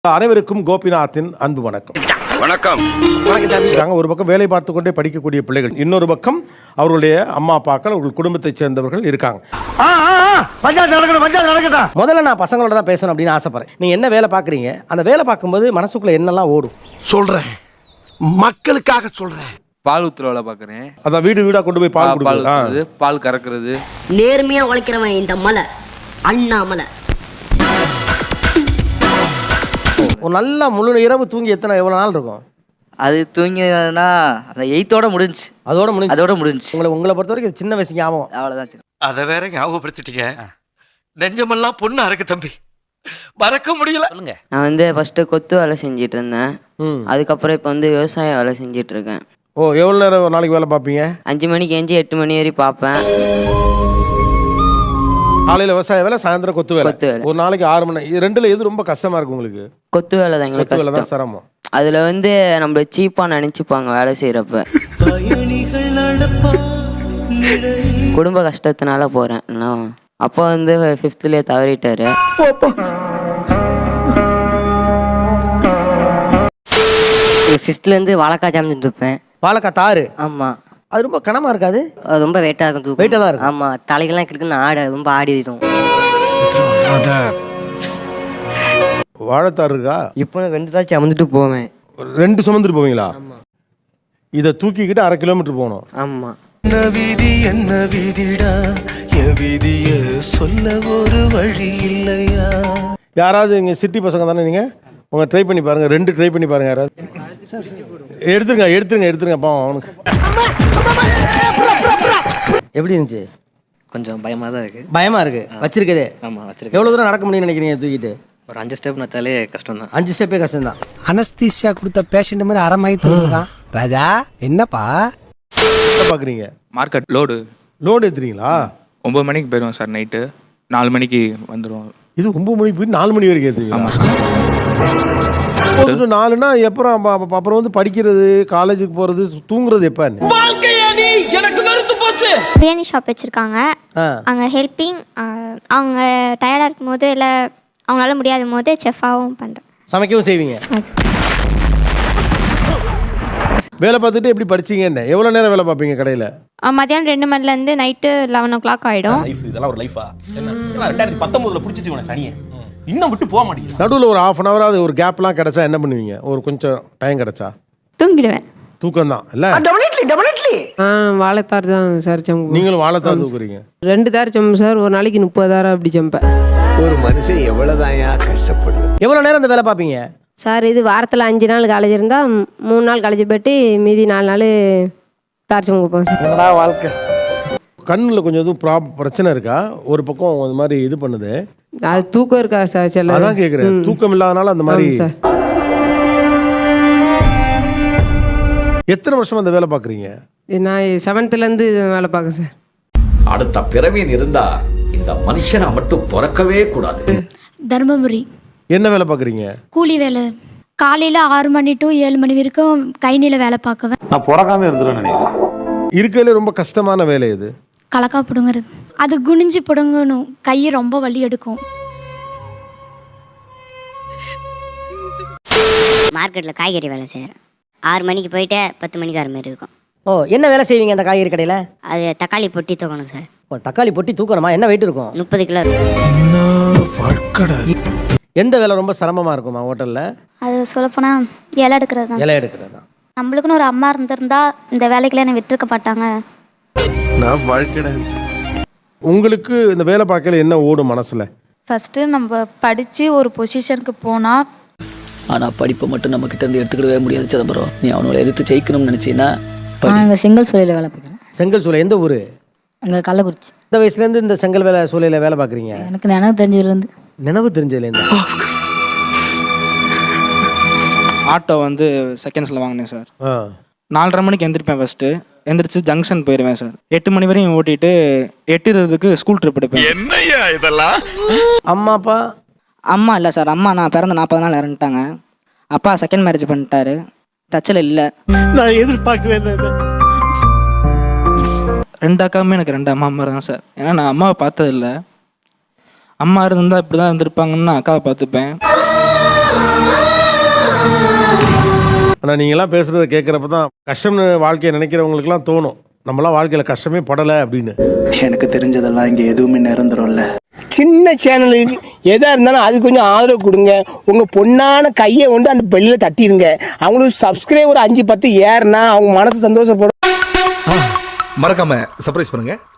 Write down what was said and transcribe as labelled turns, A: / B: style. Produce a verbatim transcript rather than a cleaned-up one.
A: அனைவருக்கும் கோபிநாத்தின் அன்பு வணக்கம்.
B: வணக்கம்.
A: ஒரு பக்கம் வேலை பார்த்து கொண்டே படிக்கக்கூடிய பிள்ளைகள், இன்னொரு பக்கம் அவர்களுடைய அம்மா அப்பாக்கள், அவர்கள் குடும்பத்தைச் சேர்ந்தவர்கள் இருக்காங்க.
C: முதல்ல நான் பசங்களோட தான் பேசணும் அப்படின்னு ஆசைப்படுறேன். நீங்க என்ன வேலை பார்க்குறீங்க, அந்த வேலை பார்க்கும்போது மனசுக்குள்ள என்னெல்லாம் ஓடும்
D: சொல்றேன், மக்களுக்காக சொல்றேன்.
E: பால் ஊத்துற வேலை பார்க்குறேன்.
A: அதான் வீடு வீடா கொண்டு போய் பால் கொடுக்குறது,
E: பால் கறக்குறது.
F: நேர்மையா உழைக்கிறவன் இந்த மலை அண்ணாமலை.
C: ஒரு நல்ல முழு இரவு தூங்கி எத்தனை எவ்வளோ நாள் இருக்கும்?
G: அது தூங்கினா அந்த எயித்தோட முடிஞ்சு,
C: அதோட முடிஞ்சு
G: அதோட முடிஞ்சு.
C: உங்களை உங்களை பொறுத்த வரைக்கும் சின்ன வயசு ஞாபகம்
G: அவ்வளோதான்.
D: அதை வேற ஞாபகப்படுத்திட்டீங்க. நெஞ்சமெல்லாம் பொண்ணு அறக்கு தம்பி, மறக்க முடியல.
G: நான் வந்து ஃபர்ஸ்ட் கொத்து வேலை செஞ்சிட்டு இருந்தேன். அதுக்கப்புறம் இப்போ வந்து விவசாய வேலை செஞ்சிட்டு இருக்கேன்.
A: ஓ, எவ்வளோ நேரம் ஒரு நாளைக்கு வேலை பார்ப்பீங்க?
G: அஞ்சு மணிக்கு எஞ்சி எட்டு மணி வரைக்கும் பார்ப்பேன்.
A: காலையில் விவசாய வேலை, சாயந்தரம் கொத்து வேலை.
G: கொத்து வேலை
A: ஒரு நாளைக்கு ஆறு மணி. இது ரெண்டுல எது ரொம்ப கஷ்டமா இருக்கு உங்களுக்கு?
G: கொத்து வேலை தான் எங்களுக்கு
A: கொத்து வேலை தான்
G: கஷ்டம்.
A: சிரமம்.
G: அதுல வந்து நம்மள சீப்பா நினைச்சுப்பாங்க வேலை செய்யறப்ப. குடும்ப கஷ்டத்தினால போறேன். நான் அப்பா வந்து ஃபிஃப்த்லயே தவறிட்டாரு.
H: சிக்ஸ்த்ல இருந்து வாழைக்காய் ஜாம் இருப்பேன்.
C: வாழைக்காய் தாறு.
H: ஆமா,
C: அது ரொம்ப கனமா இருக்காது?
H: அது ரொம்ப வெயிட்டா இருக்கும், தூக்கம்
C: வெயிட்டா தான் இருக்கும்.
H: ஆமா, தலைகள்லாம் கிடக்குன்னு ஆட ரொம்ப ஆடிடும்.
A: வாழைத்தார் இருக்கா?
H: இப்போ ரெண்டு தாச்சும் அமர்ந்துட்டு போவேன்.
A: ரெண்டு சுமந்துட்டு போவீங்களா? இதை தூக்கிக்கிட்டு அரை கிலோமீட்டர் போகணும்.
H: ஆமா.
D: என்ன விதி என்ன விதிடா, என் விதிய சொல்ல ஒரு வழி இல்லையா?
A: யாராவது இங்கே சிட்டி பசங்க தானே நீங்கள்? உங்க ட்ரை பண்ணி பாருங்க, ரெண்டு ட்ரை பண்ணி பாருங்க. யாராவது எடுத்துருங்க எடுத்துருங்க எடுத்துருங்க பாவம் அவனுக்கு.
C: எப்படி இருந்துச்சு?
I: கொஞ்சம் பயமாக தான் இருக்குது.
C: பயமா இருக்கு வச்சிருக்கதே?
I: ஆமாம் வச்சிருக்கேன்.
C: எவ்வளோ தூரம் நடக்க முடியும்னு நினைக்கிறீங்க தூக்கிட்டு?
I: ஒரு அஞ்சு ஸ்டெப் நச்சாலே கஷ்டம் தான்.
C: அஞ்சு ஸ்டெப்பே கஷ்டம் தான்.
J: அனஸ்தீசியா கொடுத்த பேஷண்ட் மாதிரி அரை மயக்கம். ராஜா என்னப்பா
A: பார்க்குறீங்க?
E: மார்க்கெட் லோடு
A: லோடு ஏற்றுறீங்களா?
E: ஒம்பது மணிக்கு போயிடுவோம் சார். நைட்டு நாலு மணிக்கு வந்துடுவோம்.
A: இது ஒம்பது மணிக்கு போய் நாலு மணி வரைக்கும் ஏற்றுவீங்களா?
E: ஆமாம் சார்.
A: ஒம்பது நாலுனா அப்புறம் அப்புறம் வந்து படிக்கிறது, காலேஜுக்கு போகிறது, தூங்குறது எப்போ?
K: பிரியாணி ஷாப் வச்சுருக்காங்க. அங்கே ஹெல்ப்பிங், அவங்க டயர்டாக இருக்கும் போது இல்லை அவங்களால முடியாத போது செஃபாகவும் பண்ணுறேன்.
C: சமைக்கவும் செய்வீங்க?
A: வேலை பார்த்துட்டு எப்படி படிச்சீங்க? என்ன எவ்வளோ நேரம் வேலை பார்ப்பீங்க கடையில்?
K: மத்தியானம் ரெண்டு மணிலேருந்து நைட்டு லெவன் ஓ கிளாக் ஆகிடும்.
I: இதெல்லாம் ஒரு லைஃபா? ரெண்டாயிரத்தி பத்தொன்பதுல பிடிச்சிச்சு உன சனியை, இன்னும் விட்டு போக மாட்டேங்குது.
A: நடுவில் ஒரு ஹாஃப் அன் ஹவராது ஒரு கேப்லாம் கிடைச்சா என்ன பண்ணுவீங்க? ஒரு கொஞ்சம் டைம் கிடைச்சா
K: தூங்கிடுவேன்.
A: தூக்கம் தான் இல்லை?
L: வாழைத்தார் தான் சார் சம்பு.
A: நீங்களும் வாழைத்தார் தூக்குறீங்க?
L: ரெண்டு தார் சம்பு சார், ஒரு நாளைக்கு முப்பதாயிரம் அப்படி சம்பேன்.
D: ஒரு மனுஷன் எவ்வளவுதான் கஷ்டப்படுது.
C: எவ்வளோ நேரம் இந்த வேலை பார்ப்பீங்க
L: சார்? இது வாரத்தில் அஞ்சு நாள் காலேஜ் இருந்தால் மூணு நாள் காலேஜ் போய்ட்டு மீதி நாலு நாள் தார் சம்பு வைப்போம் சார்.
C: என்னடா வாழ்க்கை.
A: கண்ணில் கொஞ்சம் எதுவும் ப்ராப் பிரச்சனை இருக்கா? ஒரு பக்கம் அது மாதிரி இது பண்ணுது.
L: அது தூக்கம் இருக்கா சார்? சில
A: அதான் கேட்குறேன், தூக்கம் இல்லாதனால அந்த மாதிரி.
L: சார்
A: எத்தனை வருஷம் அந்த வேலை பார்க்குறீங்க?
L: நான் செவன்த்துலேருந்து வேலை பார்க்கேன் சார்.
B: அடுத்த பிறவியின் இருந்தா இந்த மனுஷனை மட்டும் பிறக்கவே கூடாது.
K: தர்மபுரி.
A: என்ன வேலை பார்க்குறீங்க?
K: கூலி வேலை. காலையில் ஆறு மணி டு ஏழு மணி வரைக்கும் கைனில வேலை பார்க்குவேன்.
I: நான் பிறக்காம இருந்துருவேன் நினைக்கிறேன்.
A: இருக்கிறதுல ரொம்ப கஷ்டமான வேலை இது.
K: கலக்கா பிடுங்குறது. அது குனிஞ்சு பிடுங்கணும், கை ரொம்ப வலி எடுக்கும்.
F: மார்க்கெட்டில் காய்கறி வேலை செய்கிறேன். ஆறு மணிக்கு போயிட்டு பத்து மணிக்கு வர மாதிரி இருக்கும்.
C: ஓ, என்ன வேலை செய்வீங்க அந்த காய்கறி கடையில்?
F: அது தக்காளி பொட்டி தூக்கணும் சார்.
C: ஓ, தக்காளி பொட்டி தூக்கணுமா? என்ன வெயிட் இருக்கும்?
F: முப்பது கிலோ இருக்கும்.
C: எந்த வேலை ரொம்ப சிரமமாக இருக்குமா ஹோட்டலில்?
K: அது சொல்லப்போனால் இலை எடுக்கிறது தான்.
C: இலை எடுக்கிறது தான்.
K: நம்மளுக்குன்னு ஒரு அம்மா இருந்திருந்தா இந்த வேலைக்கெல்லாம் என்னை விட்டுருக்க மாட்டாங்க.
D: நான் வாழ்க்கை.
A: உங்களுக்கு இந்த வேலை பார்க்கல என்ன ஓடும் மனசில்?
L: ஃபஸ்ட்டு நம்ம படித்து ஒரு பொசிஷனுக்கு போனால்,
I: ஆனால் படிப்பை மட்டும் நம்ம கிட்ட இருந்து எடுத்துக்கிடவே முடியாது சிதம்பரம். நீ அவனோட எதிர்த்து ஜெயிக்கணும்னு நினச்சின்னா
F: நாங்கள் செங்கல் சூளையில் வேலை பார்க்குறோம்.
C: செங்கல் சூளை எந்த ஊர்?
F: அங்கே கள்ளக்குறிச்சி.
C: இந்த வயசுலேருந்து இந்த செங்கல் வேலை சூளையில் வேலை பார்க்குறீங்க?
F: எனக்கு நினைவு தெரிஞ்சதுலேருந்து.
C: நினைவு தெரிஞ்சதுலேருந்து.
E: ஆட்டோ வந்து செகண்ட்ஸில் வாங்கினேன் சார்.
A: ஆ,
E: நாலரை மணிக்கு எந்திரிப்பேன். ஃபர்ஸ்ட்டு எந்திரிச்சு ஜங்ஷன் போயிடுவேன் சார். எட்டு மணி வரையும் ஓட்டிட்டு எட்டு இருபதுக்கு ஸ்கூல் ட்ரிப் எடுப்பேன்.
D: என்னையா இதெல்லாம்?
C: அம்மா அப்பா?
G: அம்மா இல்லை சார். அம்மா நான் பிறந்த நாற்பது நாள் இறந்துட்டாங்க. அப்பா செகண்ட் மேரேஜ் பண்ணிட்டாரு. டச்சில் இல்லை.
J: நான் எதிர்பார்க்கவே இல்லை.
E: ரெண்டு அக்காவுமே எனக்கு ரெண்டு அம்மா அம்மா தான் சார். ஏன்னா நான் அம்மாவை பார்த்ததில்லை. அம்மா இருந்தால் இப்படி தான் இருந்திருப்பாங்கன்னு நான் அக்காவை பார்த்துப்பேன்.
A: ஆனால் நீங்களாம் பேசுகிறத கேட்குறப்ப தான் கஷ்டம்னு வாழ்க்கையை நினைக்கிறவங்களுக்குலாம் தோணும் நம்மளாம் வாழ்க்கையில் கஷ்டமே படலை அப்படின்னு.
J: எனக்கு தெரிஞ்சதெல்லாம் இங்க எதுவுமே நிரந்தரம்ல.
C: சின்ன சேனலுக்கு எதாக இருந்தாலும் அது கொஞ்சம் ஆதரவு கொடுங்க. உங்கள் பொண்ணான கையை கொண்டு அந்த பெல்லில் தட்டிடுங்க. அவங்களுக்கு சப்ஸ்கிரைபர் அஞ்சு பத்து ஏறுனா அவங்க மனசு சந்தோஷப்படும்.
J: மறக்காம சர்ப்ரைஸ் பண்ணுங்க.